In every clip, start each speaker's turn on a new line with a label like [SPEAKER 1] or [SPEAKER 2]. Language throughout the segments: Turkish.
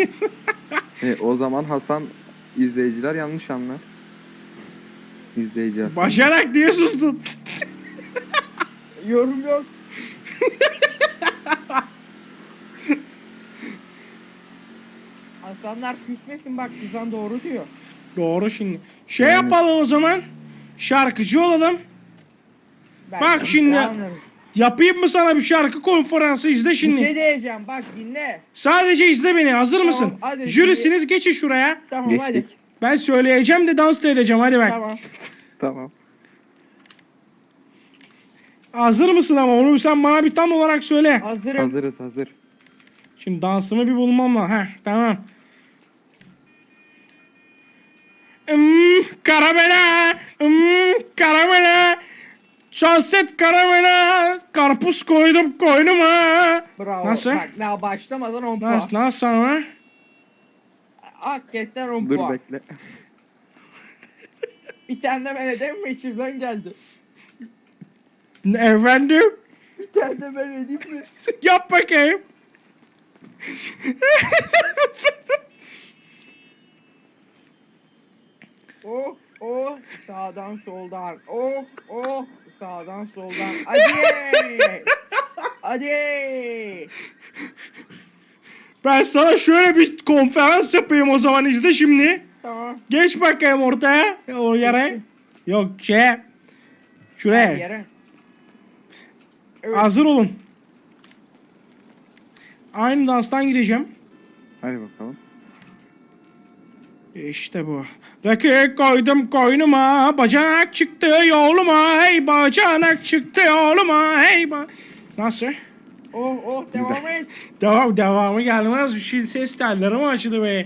[SPEAKER 1] O zaman Hasan izleyiciler yanlış anlar. İzleyici Hasan.
[SPEAKER 2] Başarak diye sustun.
[SPEAKER 3] Yorum yok. Hasanlar küsmesin bak Kızan doğru diyor.
[SPEAKER 2] Doğru şimdi. Şey yapalım o zaman. Şarkıcı olalım. Bak şimdi. Yapayım mı sana bir şarkı konferansı, izle
[SPEAKER 3] Bir
[SPEAKER 2] şimdi.
[SPEAKER 3] şey diyeceğim bak dinle.
[SPEAKER 2] Sadece izle beni, hazır mısın?
[SPEAKER 3] hadi.
[SPEAKER 2] Jürisiniz, geçin şuraya.
[SPEAKER 3] Tamam
[SPEAKER 1] Geçtik.
[SPEAKER 3] hadi.
[SPEAKER 2] Ben söyleyeceğim de dans da edeceğim, hadi bak.
[SPEAKER 3] Tamam.
[SPEAKER 1] Tamam.
[SPEAKER 2] Hazır mısın ama onu sen bana bir tam olarak söyle.
[SPEAKER 3] Hazırım.
[SPEAKER 1] Hazırız hazır.
[SPEAKER 2] Şimdi dansımı bir bulmam lazım. Heh, tamam. Karamela, karamela, şanset karamela, karpuz koydum koynuma.
[SPEAKER 3] Bravo.
[SPEAKER 2] Nasıl?
[SPEAKER 3] Bak daha başlamadan 10 puan.
[SPEAKER 2] Nasıl ama?
[SPEAKER 3] Hakikaten 10
[SPEAKER 1] Dur
[SPEAKER 3] puan.
[SPEAKER 1] bekle.
[SPEAKER 3] Bir tane de ben edeyim mi içimden geldi.
[SPEAKER 2] Efendim?
[SPEAKER 3] Bir tane de ben edeyim mi?
[SPEAKER 2] Yap bakayım.
[SPEAKER 3] Oh oh sağdan soldan. Oh oh sağdan soldan. Hadi. Hadi.
[SPEAKER 2] Ben sana şöyle bir konferans yapayım o zaman, izle şimdi.
[SPEAKER 3] Tamam.
[SPEAKER 2] Geç bakayım ortaya. O yere. Yok şuraya.
[SPEAKER 3] Yere. Evet.
[SPEAKER 2] Hazır olun. Aynı danstan gideceğim.
[SPEAKER 1] Hadi bakalım.
[SPEAKER 2] İşte bu. Rakı koydum koynuma, bacanak çıktı yoluma, hey bacanak çıktı yoluma, hey Nasıl?
[SPEAKER 3] Oh oh devam et.
[SPEAKER 2] Devamı gelmez. Bir şey, ses telleri mi açıldı be?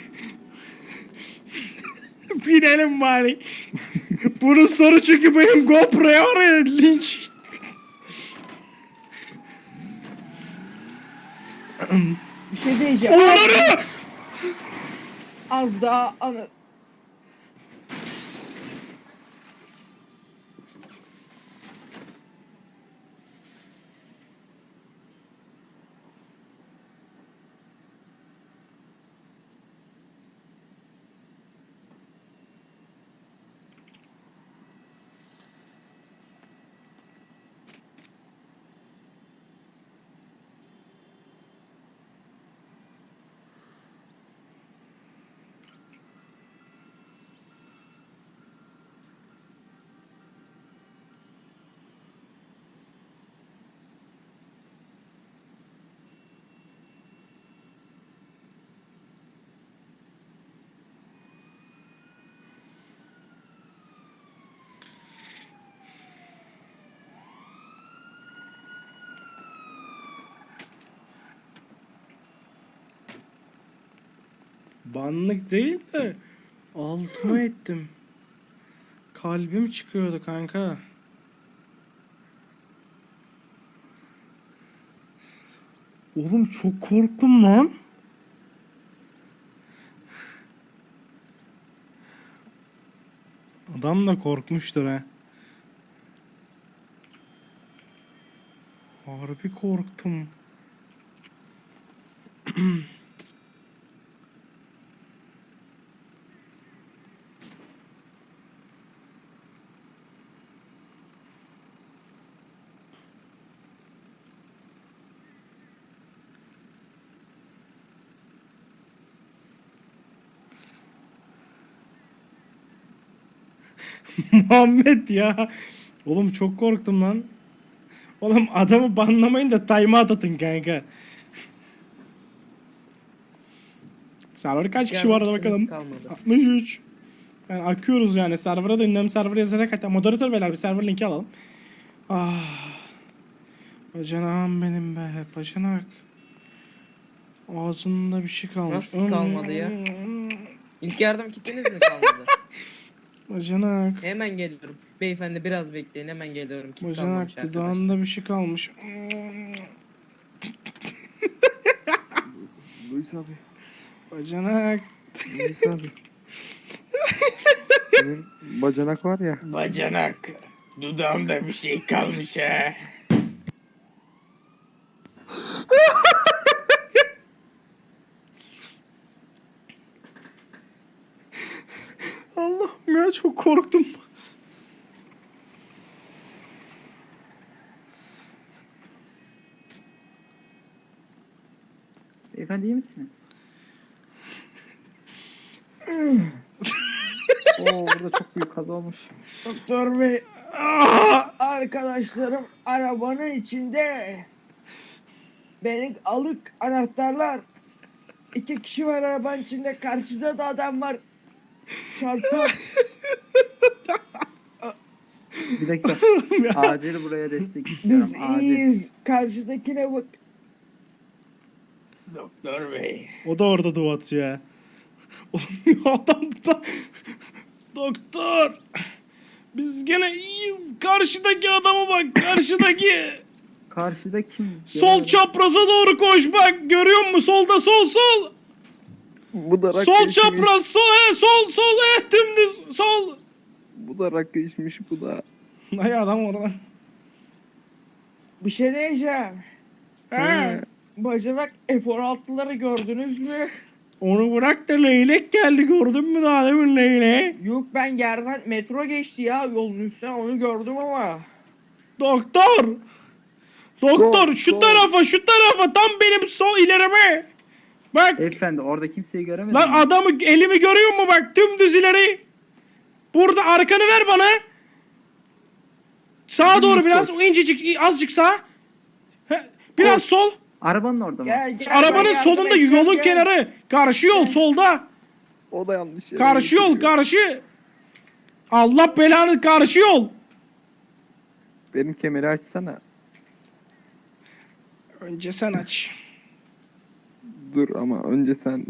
[SPEAKER 2] Binelim bari. Bunun soru çünkü benim GoPro'ya var ya, linç.
[SPEAKER 3] Bir şey diyeceğim.
[SPEAKER 2] Onları!
[SPEAKER 3] Az daha anı.
[SPEAKER 2] Banlık değil de altıma ettim. Kalbim çıkıyordu kanka. Oğlum çok korktum lan. Adam da korkmuştur ha. Harbi korktum. Muhammed ya. Oğlum çok korktum lan. Oğlum adamı banlamayın da timeout atın kanka. Server kaç kişi var bakalım.
[SPEAKER 3] Kalmadı.
[SPEAKER 2] 63. Yani akıyoruz yani. Server'a da ünlem server yazarak, hatta moderatör beyler bir server linki alalım. Ah. Bacanağım benim be. Bacanak. Ağzında bir şey kalmış.
[SPEAKER 4] Nasıl kalmadı ya? İlk yardım kitiniz mi kalmadı?
[SPEAKER 2] Bacanak.
[SPEAKER 4] Hemen geliyorum. Beyefendi biraz bekleyin, hemen geliyorum. Kit kalmamış
[SPEAKER 2] Bacanak
[SPEAKER 4] arkadaşlar.
[SPEAKER 2] dudağında bir şey kalmış.
[SPEAKER 1] Luis abi.
[SPEAKER 2] Bacanak.
[SPEAKER 1] Luis abi. Senin bacanak var ya.
[SPEAKER 3] Bacanak. Dudağımda bir şey kalmış ha.
[SPEAKER 2] ya, çok korktum.
[SPEAKER 5] Beyefendi iyi misiniz? Oo, burada çok büyük kaza olmuş.
[SPEAKER 3] Doktor bey. Arkadaşlarım arabanın içinde. Benim alık anahtarlar. 2 kişi var arabanın içinde. Karşıda da adam var. Çarpar.
[SPEAKER 5] Bir dakika. Acil buraya destek istiyorum.
[SPEAKER 3] Biz
[SPEAKER 5] Acil.
[SPEAKER 3] iyiyiz. Karşıdakine bak. Doktor bey.
[SPEAKER 2] O da orada dua atıyor ya. Oğlum ya, adam da... Doktor. Biz gene iyiyiz. Karşıdaki adama bak. Karşıdaki.
[SPEAKER 5] Karşıda kim?
[SPEAKER 2] Sol çapraza doğru koş bak. Görüyor musun? Solda sol.
[SPEAKER 1] Bu da rakı
[SPEAKER 2] Sol
[SPEAKER 1] içmiş.
[SPEAKER 2] çapraz sol dümdüz sol.
[SPEAKER 1] Bu da rakı içmiş bu da.
[SPEAKER 2] Ay adam orada.
[SPEAKER 3] Bir şey diyeceğim.
[SPEAKER 2] He.
[SPEAKER 3] Bacanak F-16'ları gördünüz mü?
[SPEAKER 2] Onu bırak da leylek geldi, gördün mü daha demin leyleği?
[SPEAKER 3] Yok, ben yerden metro geçti ya yolun üstüne, onu gördüm ama.
[SPEAKER 2] Doktor. Doktor şu
[SPEAKER 1] sol.
[SPEAKER 2] tarafa tam benim sol ilerime. Bak
[SPEAKER 5] Beyefendi orada kimseyi göremedim.
[SPEAKER 2] lan, adamı elimi görüyor musun, bak dümdüz ileri. Burada arkanı ver bana. Sağa doğru biraz, o incecik azıcık sağ. Biraz sol.
[SPEAKER 5] Arabanın orada mı?
[SPEAKER 3] Gel,
[SPEAKER 2] Arabanın
[SPEAKER 3] ben
[SPEAKER 2] solunda
[SPEAKER 3] yardım edeceğim,
[SPEAKER 2] yolun
[SPEAKER 3] gel.
[SPEAKER 2] kenarı. Karşı yol solda.
[SPEAKER 1] O da yanlış yere
[SPEAKER 2] Karşı yol
[SPEAKER 1] gidiyor.
[SPEAKER 2] karşı. Allah belanı, karşı yol.
[SPEAKER 1] Benim kemeri açsana.
[SPEAKER 2] Önce sen aç.
[SPEAKER 1] Dur ama önce sen.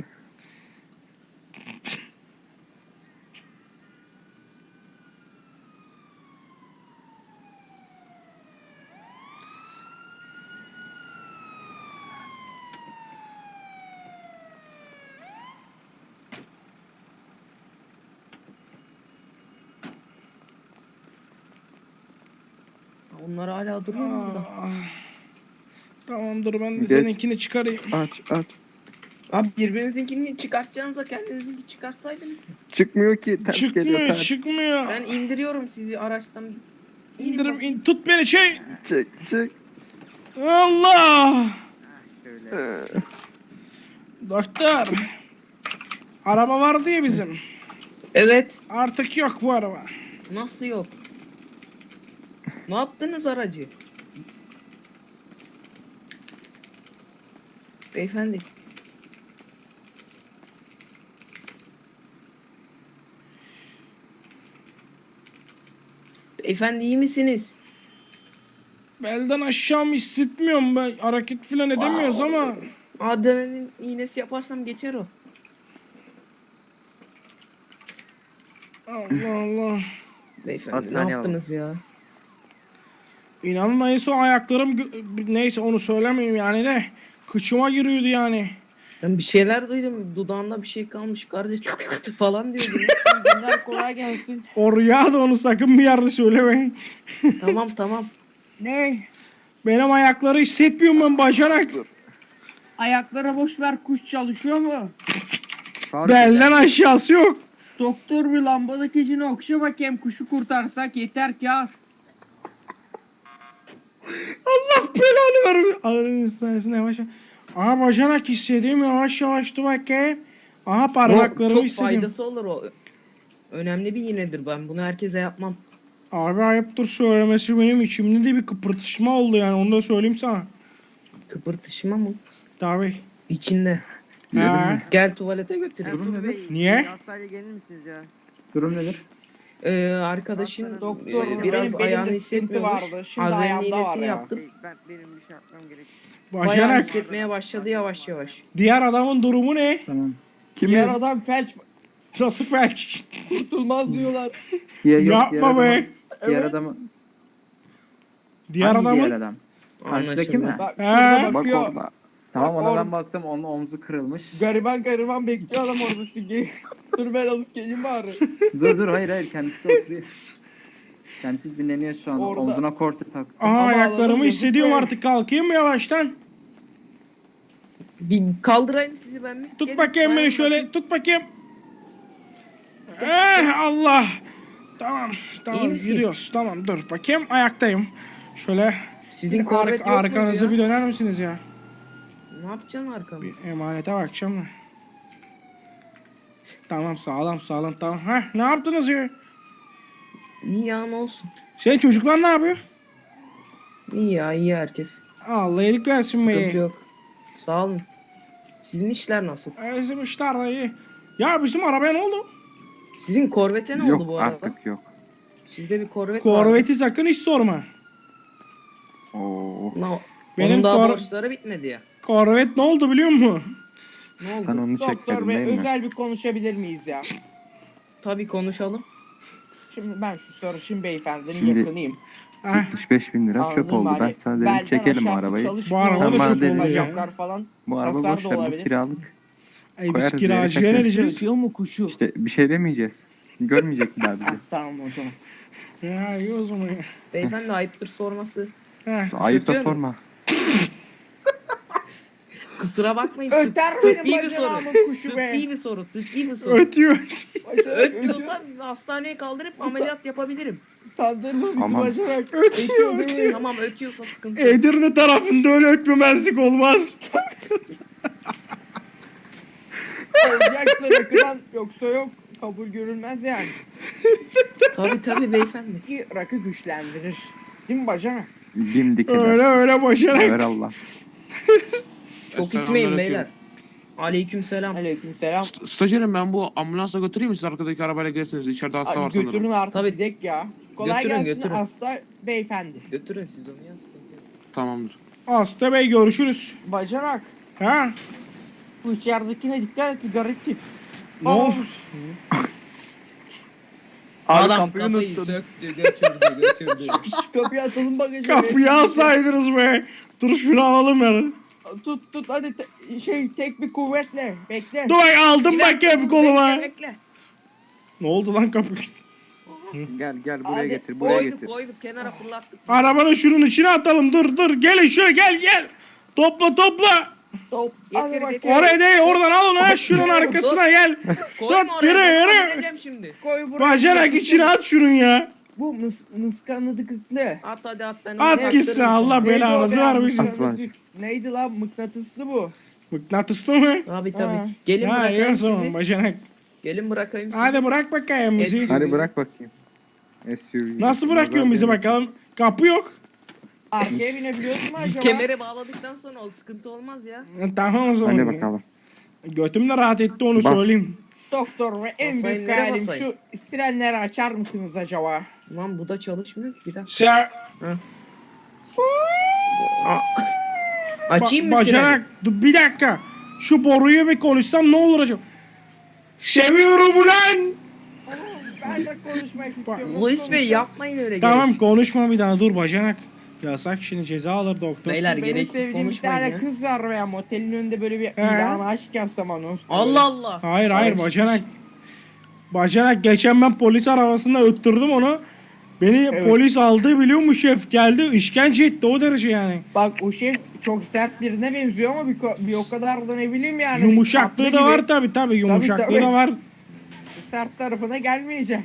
[SPEAKER 4] Onlar hala duruyor mu burada?
[SPEAKER 2] Tamam dur, ben de
[SPEAKER 1] Geç.
[SPEAKER 2] seninkini çıkarayım.
[SPEAKER 1] Aç.
[SPEAKER 4] Abi birbirinizinkini çıkartacağınıza kendinizinki çıkarsaydınız mı?
[SPEAKER 1] Çıkmıyor ki, ters geliyor
[SPEAKER 2] Çıkmıyor
[SPEAKER 1] ters.
[SPEAKER 2] çıkmıyor.
[SPEAKER 4] Ben indiriyorum sizi araçtan.
[SPEAKER 2] İndirip tut beni şey.
[SPEAKER 1] Çek.
[SPEAKER 2] Allah. Doktor. Araba vardı ya bizim.
[SPEAKER 4] Evet.
[SPEAKER 2] Artık yok bu araba.
[SPEAKER 4] Nasıl yok? Ne yaptınız aracı? Beyefendi. Beyefendi iyi misiniz?
[SPEAKER 2] Belden aşağımı hissetmiyorum ben. Hareket falan edemiyoruz ama.
[SPEAKER 4] Adrenalin iğnesi yaparsam geçer o.
[SPEAKER 2] Allah Allah.
[SPEAKER 4] Beyefendi
[SPEAKER 5] Hastaneye
[SPEAKER 4] ne yaptınız ya?
[SPEAKER 2] İnanın neyse, o ayaklarım neyse onu söylemeyeyim yani de. Kıçıma giriyordu yani.
[SPEAKER 4] Ben bir şeyler duydum. Dudağında bir şey kalmış. Kardeş falan diyordu.
[SPEAKER 3] Günler kolay gelsin.
[SPEAKER 2] O rüya da, onu sakın bir yerde söylemeyin.
[SPEAKER 4] Tamam.
[SPEAKER 3] Ne?
[SPEAKER 2] Benim ayakları hissetmiyorum ben, bacanak.
[SPEAKER 3] Ayaklara boş ver, kuş çalışıyor mu?
[SPEAKER 2] Belden aşağısı yok.
[SPEAKER 3] Doktor bir lambadaki içine okşa bakayım, kuşu kurtarsak yeter kâr.
[SPEAKER 2] Allah belanı vermiyor. Alırın sayesinde yavaş yavaş. Aha bacanak hissediyorum, yavaş yavaş dur bakayım. Aha parmaklarımı
[SPEAKER 4] Çok
[SPEAKER 2] hissediyorum.
[SPEAKER 4] faydası olur o. Önemli bir iğnedir, ben bunu herkese yapmam.
[SPEAKER 2] Abi ayıptır söylemesi, benim içimde de bir kıpırtışma oldu yani, onu da söyleyeyim sana.
[SPEAKER 4] Kıpırtışma mı?
[SPEAKER 2] Tabii.
[SPEAKER 4] İçinde.
[SPEAKER 2] Ha.
[SPEAKER 4] Gel tuvalete götüreyim.
[SPEAKER 5] Durum nedir?
[SPEAKER 2] Niye?
[SPEAKER 6] Hastaneye gelir misiniz ya?
[SPEAKER 5] Durum nedir?
[SPEAKER 4] Arkadaşın
[SPEAKER 3] Doktor,
[SPEAKER 4] biraz
[SPEAKER 3] benim
[SPEAKER 4] ayağını
[SPEAKER 3] belimde sıkıntı
[SPEAKER 4] hissetmiyormuş.
[SPEAKER 3] vardı, şimdi
[SPEAKER 4] Adrenalin
[SPEAKER 3] ayağımda var
[SPEAKER 4] iğnesini
[SPEAKER 3] ya.
[SPEAKER 4] yaptım.
[SPEAKER 6] Benim bir şey yapmam gerek.
[SPEAKER 4] Bayağı
[SPEAKER 2] Bacanak.
[SPEAKER 4] hissetmeye başladı yavaş yavaş.
[SPEAKER 2] Diğer adamın durumu ne?
[SPEAKER 5] Tamam.
[SPEAKER 3] Diğer adam felç,
[SPEAKER 2] Nasıl felç?
[SPEAKER 3] kurtulmaz diyorlar.
[SPEAKER 5] Diğer
[SPEAKER 2] Yapma be.
[SPEAKER 5] Diğer adamı.
[SPEAKER 2] Diğer
[SPEAKER 5] Hangi
[SPEAKER 2] adamın.
[SPEAKER 5] diğer adam? Karşıdaki mi?
[SPEAKER 3] Bak
[SPEAKER 2] He.
[SPEAKER 3] şurada
[SPEAKER 1] Bak
[SPEAKER 3] bakıyor.
[SPEAKER 1] orada.
[SPEAKER 5] Tamam
[SPEAKER 3] Bak
[SPEAKER 5] ona
[SPEAKER 3] orada.
[SPEAKER 5] ben baktım, onun omzu kırılmış.
[SPEAKER 3] Gariban bekliyor adam orada sizi. Dur ben alıp geleyim bari.
[SPEAKER 5] dur hayır kendisi oturuyor. Kendisi dinleniyor şu an.
[SPEAKER 3] Orada.
[SPEAKER 5] Omzuna korse taktı.
[SPEAKER 2] Aha
[SPEAKER 3] Ama
[SPEAKER 2] ayaklarımı
[SPEAKER 3] adamın
[SPEAKER 2] hissediyorum
[SPEAKER 3] yazık be.
[SPEAKER 2] artık, kalkayım mı yavaştan?
[SPEAKER 4] Bir kaldırayım sizi ben mi?
[SPEAKER 2] Tut
[SPEAKER 4] Gelin,
[SPEAKER 2] bakayım beni
[SPEAKER 4] dayanın
[SPEAKER 2] şöyle,
[SPEAKER 4] bakayım.
[SPEAKER 2] tut bakayım. Allah. Tamam. Tamam
[SPEAKER 4] misin?
[SPEAKER 2] yürüyoruz. Tamam dur bakayım ayaktayım. Şöyle
[SPEAKER 4] Sizin
[SPEAKER 2] bir
[SPEAKER 4] korvet yok muydu
[SPEAKER 2] arkanızı
[SPEAKER 4] ya?
[SPEAKER 2] bir döner misiniz ya?
[SPEAKER 4] Ne yapacaksın arkamda?
[SPEAKER 2] Bir emanete bakacağım da. Tamam sağlam tamam. Heh, ne yaptınız ya?
[SPEAKER 4] İyi ya ne olsun.
[SPEAKER 2] Senin çocuklar ne yapıyor?
[SPEAKER 4] İyi ya iyi herkes.
[SPEAKER 2] Allah iyilik versin
[SPEAKER 4] Sıkıntı
[SPEAKER 2] be.
[SPEAKER 4] yok. Sağ olun. Sizin işler nasıl?
[SPEAKER 2] Bizim işler de iyi. Ya bizim arabaya ne oldu?
[SPEAKER 4] Sizin korvete ne
[SPEAKER 1] yok
[SPEAKER 4] oldu bu arada?
[SPEAKER 1] artık yok.
[SPEAKER 4] Sizde bir korvet var.
[SPEAKER 2] Korveti sakın hiç sorma.
[SPEAKER 1] Oo,
[SPEAKER 4] No.
[SPEAKER 2] Benim
[SPEAKER 4] Onun daha
[SPEAKER 2] kor-
[SPEAKER 4] borçları bitmedi ya.
[SPEAKER 2] Korvet ne oldu biliyor musun?
[SPEAKER 4] Ne oldu?
[SPEAKER 1] sen onu
[SPEAKER 3] Doktor
[SPEAKER 1] çekmedin
[SPEAKER 3] bey
[SPEAKER 1] değil mi?
[SPEAKER 3] özel bir konuşabilir miyiz ya?
[SPEAKER 4] Tabii konuşalım.
[SPEAKER 3] Şimdi ben şu sarışın beyefendinin
[SPEAKER 1] Şimdi-
[SPEAKER 3] yakınıyım.
[SPEAKER 2] Heh,
[SPEAKER 1] 75 bin lira çöp
[SPEAKER 3] Anladın mı?
[SPEAKER 1] oldu. Ben
[SPEAKER 3] Hani
[SPEAKER 1] sana dedim
[SPEAKER 3] belden
[SPEAKER 1] çekelim
[SPEAKER 3] aşağısı
[SPEAKER 1] arabayı.
[SPEAKER 3] çalışmıyor.
[SPEAKER 2] Bu araba
[SPEAKER 1] da
[SPEAKER 3] Sen
[SPEAKER 1] çöp
[SPEAKER 3] bana dedin,
[SPEAKER 1] oldu ya.
[SPEAKER 3] bacaklar falan.
[SPEAKER 1] Bu araba
[SPEAKER 3] hasar
[SPEAKER 1] boş
[SPEAKER 3] da
[SPEAKER 1] ver bu
[SPEAKER 3] olabilir.
[SPEAKER 1] kiralık.
[SPEAKER 2] ay biz
[SPEAKER 1] Koyarız
[SPEAKER 2] kiracıya
[SPEAKER 1] yere
[SPEAKER 2] ne
[SPEAKER 1] kaçarız.
[SPEAKER 2] diyeceğiz?
[SPEAKER 3] Ötüyor mu kuşu?
[SPEAKER 1] İşte bir şey demeyeceğiz. Görmeyecek bir daha bizi.
[SPEAKER 3] Tamam o zaman.
[SPEAKER 2] Ya iyi o zaman ya.
[SPEAKER 4] Beyefendi ayıptır sorması.
[SPEAKER 2] Heh,
[SPEAKER 1] Ayıp da
[SPEAKER 4] Şoför mü?
[SPEAKER 1] sorma.
[SPEAKER 4] Kusura bakmayın.
[SPEAKER 3] Öter
[SPEAKER 4] tıbbi
[SPEAKER 3] benim
[SPEAKER 4] bir soru.
[SPEAKER 3] bacağımın kuşu be.
[SPEAKER 4] Tıbbi bir soru. Tıbbi bir soru.
[SPEAKER 2] ötüyor.
[SPEAKER 4] Ötmüyorsa hastaneye kaldırıp ameliyat yapabilirim.
[SPEAKER 3] Tandırma bizi
[SPEAKER 1] Aman.
[SPEAKER 3] bacanak.
[SPEAKER 2] Ötüyor.
[SPEAKER 4] Tamam ötüyorsa sıkıntı yok.
[SPEAKER 2] Edirne tarafında öyle ötmemezlik olmaz.
[SPEAKER 3] Olacaksa rakıdan yoksa yok. Kabul görülmez yani.
[SPEAKER 4] Tabii beyefendi.
[SPEAKER 3] Ki rakı güçlendirir. Değil mi bacanak?
[SPEAKER 1] Dimdik
[SPEAKER 2] Öyle
[SPEAKER 1] eder.
[SPEAKER 2] öyle başarak.
[SPEAKER 1] Sever Allah.
[SPEAKER 4] Çok içmeyin beyler. Aleykümselam.
[SPEAKER 3] Aleykümselam.
[SPEAKER 7] Stajyerim ben bu ambulansa götüreyim mi siz arkadaki arabayla gelirsiniz içeride hasta var
[SPEAKER 3] Abi götürün
[SPEAKER 7] sanırım.
[SPEAKER 3] artık
[SPEAKER 4] Tabii.
[SPEAKER 3] gidek ya. Kolay
[SPEAKER 4] Götürün,
[SPEAKER 3] gelsin
[SPEAKER 4] götürün.
[SPEAKER 3] hasta beyefendi.
[SPEAKER 4] Götürün siz onu ya sıkıntı yok.
[SPEAKER 7] Tamamdır.
[SPEAKER 2] Hasta bey görüşürüz.
[SPEAKER 3] Bacanak.
[SPEAKER 2] Ha?
[SPEAKER 3] Bu içeridekine dikkat et, bir garip tip.
[SPEAKER 2] Ne olmuş?
[SPEAKER 4] Adam kapıyı söktü götürdü.
[SPEAKER 3] Şu kapıyı atalım bagaja.
[SPEAKER 2] Kapıyı alsaydınız be. Dur şunu alalım yani.
[SPEAKER 3] Tut hadi tek bir kuvvetle bekle.
[SPEAKER 2] Dur bak aldım bakayım koluma.
[SPEAKER 4] Bekle.
[SPEAKER 2] Ne oldu lan kapı?
[SPEAKER 1] Gel buraya
[SPEAKER 3] Hadi,
[SPEAKER 1] getir. Buraya
[SPEAKER 4] Koyduk
[SPEAKER 1] getir.
[SPEAKER 4] koyduk kenara fırlattık.
[SPEAKER 2] Arabanın şunun içine atalım. Dur gelin şöyle gel. Topla.
[SPEAKER 3] Top.
[SPEAKER 4] Getir,
[SPEAKER 3] Hadi bak.
[SPEAKER 4] getir.
[SPEAKER 2] Oraya değil oradan al onu ha şunun arkasına gel.
[SPEAKER 4] Koyma
[SPEAKER 2] Tut,
[SPEAKER 4] oraya.
[SPEAKER 2] yürü.
[SPEAKER 4] Ben gideceğim şimdi.
[SPEAKER 3] Koy buraya.
[SPEAKER 2] Bacanak içine at şunun ya.
[SPEAKER 3] Bu mıskanlıdıklı.
[SPEAKER 4] At hadi at ben
[SPEAKER 2] At
[SPEAKER 4] onu
[SPEAKER 2] gitsin
[SPEAKER 4] yaptırırım
[SPEAKER 2] Allah
[SPEAKER 4] sana.
[SPEAKER 2] belanızı vermesin.
[SPEAKER 3] Mıskanlıdık. Neydi lan mıknatıslı bu.
[SPEAKER 2] Mıknatıslı mı?
[SPEAKER 4] Tabii.
[SPEAKER 3] Ha.
[SPEAKER 4] Gelin
[SPEAKER 2] Ha iyi o
[SPEAKER 4] bırakayım
[SPEAKER 2] zaman
[SPEAKER 4] sizi.
[SPEAKER 2] bacanak.
[SPEAKER 4] Gelin bırakayım sizi.
[SPEAKER 2] Hadi bırak bakayım bizi.
[SPEAKER 1] Hadi bırak bakayım. SUV.
[SPEAKER 2] Nasıl bırakıyorsun bizi bakalım? Kapı yok.
[SPEAKER 3] Arkaya binebiliyorsun mu acaba?
[SPEAKER 4] Kemere bağladıktan sonra o sıkıntı olmaz ya.
[SPEAKER 2] Tamam o zaman.
[SPEAKER 1] Hadi bakalım.
[SPEAKER 2] Götüm de rahat etti onu
[SPEAKER 1] Bas.
[SPEAKER 2] söyleyeyim.
[SPEAKER 3] Doktor ve en
[SPEAKER 4] Basayım,
[SPEAKER 3] büyük
[SPEAKER 4] nereye
[SPEAKER 3] hayalim
[SPEAKER 4] basayım?
[SPEAKER 3] şu frenleri açar mısınız acaba?
[SPEAKER 4] Lan bu da çalışmıyor ki bir dakika.
[SPEAKER 2] Sen
[SPEAKER 4] Açayım mı
[SPEAKER 2] bacanak dur bir dakika. Şu boruyu bir konuşsam ne olur acaba? Seviyorum ulan.
[SPEAKER 3] Ben de konuşmak istiyorum.
[SPEAKER 4] Luis Bey yapmayın öyle.
[SPEAKER 2] Tamam
[SPEAKER 4] gereksiz.
[SPEAKER 2] konuşma bir daha dur bacanak. Yasak şimdi ceza alır doktor.
[SPEAKER 4] Beyler
[SPEAKER 3] Benim
[SPEAKER 4] gereksiz
[SPEAKER 3] sevdiğim bir
[SPEAKER 4] konuşmayın
[SPEAKER 3] tane
[SPEAKER 4] ya.
[SPEAKER 3] kız var veya motelin önünde böyle bir ilan aşk yapsam anons.
[SPEAKER 4] Allah Allah.
[SPEAKER 2] Hayır bacanak. Bacanak geçen ben polis arabasında öttürdüm onu. Beni
[SPEAKER 3] Evet.
[SPEAKER 2] polis aldı biliyor musun şef geldi işkence etti o derece yani.
[SPEAKER 3] Bak o şef çok sert birine benziyor ama bir o kadar da ne bileyim yani.
[SPEAKER 2] Yumuşaklığı
[SPEAKER 3] tatlı
[SPEAKER 2] da
[SPEAKER 3] gibi.
[SPEAKER 2] var tabi yumuşaklığı
[SPEAKER 3] tabii.
[SPEAKER 2] da var.
[SPEAKER 3] Sert tarafına gelmeyecek.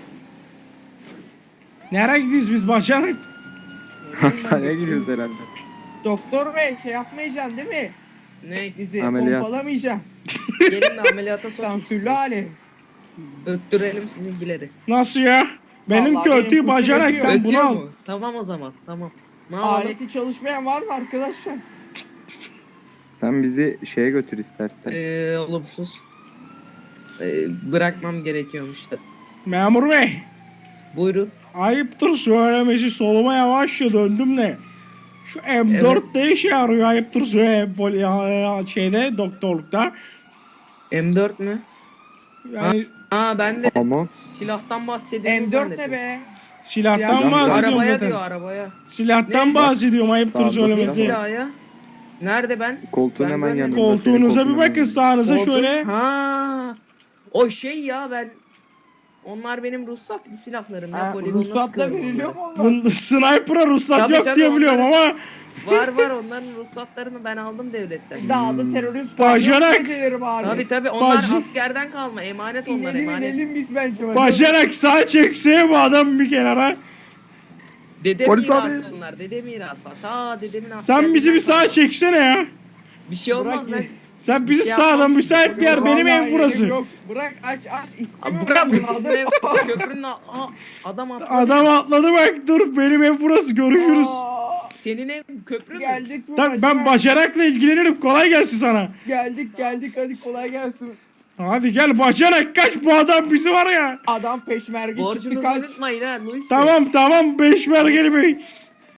[SPEAKER 2] Nereye gidiyoruz biz bacanak?
[SPEAKER 1] Hastaneye gidiyoruz herhalde.
[SPEAKER 3] Doktor bey şey yapmayacaksın değil mi?
[SPEAKER 4] Ne?
[SPEAKER 3] Bizi
[SPEAKER 1] Ameliyat.
[SPEAKER 3] pompalamayacaksın.
[SPEAKER 4] Gelin de ameliyata sokayım
[SPEAKER 3] Sansürlü
[SPEAKER 4] sizi.
[SPEAKER 3] hali.
[SPEAKER 4] Öttürelim sizinkileri.
[SPEAKER 2] Nasıl ya? Benim
[SPEAKER 3] Vallahi
[SPEAKER 2] kötü
[SPEAKER 3] benim
[SPEAKER 2] bacanak
[SPEAKER 3] kurtarıyor.
[SPEAKER 2] sen bunu
[SPEAKER 4] Ötüyor
[SPEAKER 2] al.
[SPEAKER 4] mu? Tamam o zaman tamam. Ne yapalım?
[SPEAKER 3] Aleti çalışmayan var mı arkadaşlar?
[SPEAKER 1] Sen bizi şeye götür istersen.
[SPEAKER 4] Olumsuz. Bırakmam gerekiyormuş da.
[SPEAKER 2] Memur bey.
[SPEAKER 4] Buyurun.
[SPEAKER 2] Ayıptır söylemesi soluma yavaşça döndüm de. Şu M4 ne işe yarıyor ayıptır şeyde doktorlukta.
[SPEAKER 4] M4 mü?
[SPEAKER 2] Yani
[SPEAKER 4] Ben de
[SPEAKER 1] Ama
[SPEAKER 4] silahtan bahsediyorum.
[SPEAKER 3] M4 ne be?
[SPEAKER 2] silahtan
[SPEAKER 1] Ya,
[SPEAKER 2] bahsediyorum
[SPEAKER 4] Arabaya
[SPEAKER 2] zaten.
[SPEAKER 4] diyor arabaya.
[SPEAKER 2] Silahtan
[SPEAKER 3] Ne?
[SPEAKER 2] bahsediyorum ayıptır
[SPEAKER 1] Sağda
[SPEAKER 4] Ne
[SPEAKER 2] söylemesi.
[SPEAKER 1] silah
[SPEAKER 4] silahı ya? Nerede ben?
[SPEAKER 1] koltuğun
[SPEAKER 4] Ben
[SPEAKER 1] hemen
[SPEAKER 4] görmedim.
[SPEAKER 1] yanında. senin
[SPEAKER 2] Koltuğunuza bir
[SPEAKER 1] koltuğun
[SPEAKER 2] bakın
[SPEAKER 1] hemen
[SPEAKER 2] sağınıza
[SPEAKER 4] Koltuk-
[SPEAKER 2] şöyle.
[SPEAKER 4] Ha. O şey ya ben Onlar benim ruhsatlı silahlarım ya.
[SPEAKER 3] Ha,
[SPEAKER 4] Poligonla
[SPEAKER 3] ruhsatla
[SPEAKER 4] sıkıyorum
[SPEAKER 3] veriliyor
[SPEAKER 4] onları.
[SPEAKER 3] mu onlar?
[SPEAKER 2] Bunda sniper'a ruhsat
[SPEAKER 4] Tabii,
[SPEAKER 2] yok
[SPEAKER 4] tabii,
[SPEAKER 2] diye biliyorum
[SPEAKER 4] onların-
[SPEAKER 2] ama
[SPEAKER 4] Var onların ruhsatlarını ben aldım devletten.
[SPEAKER 3] Dağda terörist
[SPEAKER 2] Bacanak.
[SPEAKER 3] gecelerim abi.
[SPEAKER 4] Tabii onlar
[SPEAKER 2] Bacı-
[SPEAKER 4] askerden kalma emanet onlar
[SPEAKER 3] İnelim
[SPEAKER 4] emanet.
[SPEAKER 3] inelim biz bence.
[SPEAKER 2] bacanak sağ çekseye bu adam bir kenara.
[SPEAKER 4] Dede
[SPEAKER 1] Polis
[SPEAKER 4] mirası
[SPEAKER 1] abi.
[SPEAKER 4] onlar dede mirası. Ta dedemin
[SPEAKER 2] Sen
[SPEAKER 4] askerliğinden
[SPEAKER 2] bizi bir sağa
[SPEAKER 4] kalma.
[SPEAKER 2] çeksene ya.
[SPEAKER 4] Bir şey olmaz
[SPEAKER 3] Bırak
[SPEAKER 4] ben.
[SPEAKER 2] Sen bizi
[SPEAKER 4] şey
[SPEAKER 2] sağdan
[SPEAKER 4] yapmam.
[SPEAKER 2] müsait bir yer benim ev burası.
[SPEAKER 3] Yok bırak aç
[SPEAKER 4] Abi
[SPEAKER 3] istemiyorum.
[SPEAKER 4] bırak
[SPEAKER 3] ben
[SPEAKER 4] bu
[SPEAKER 3] bunu.
[SPEAKER 4] ev köprünün adam atladı.
[SPEAKER 2] Adam atladı bak dur benim ev burası görüşürüz.
[SPEAKER 3] Aa,
[SPEAKER 4] Senin ev köprü mü?
[SPEAKER 3] Geldik mi?
[SPEAKER 2] Tabii ben
[SPEAKER 3] bacanak?
[SPEAKER 2] bacanakla ilgilenirim kolay gelsin sana.
[SPEAKER 3] Geldik hadi kolay gelsin.
[SPEAKER 2] Hadi gel bacanak kaç bu adam bizi var ya.
[SPEAKER 3] Adam peşmerge çıktı
[SPEAKER 4] Borcunuzu
[SPEAKER 3] kaç.
[SPEAKER 4] unutmayın ha Luis Bey.
[SPEAKER 2] Tamam 5 mergeli bey.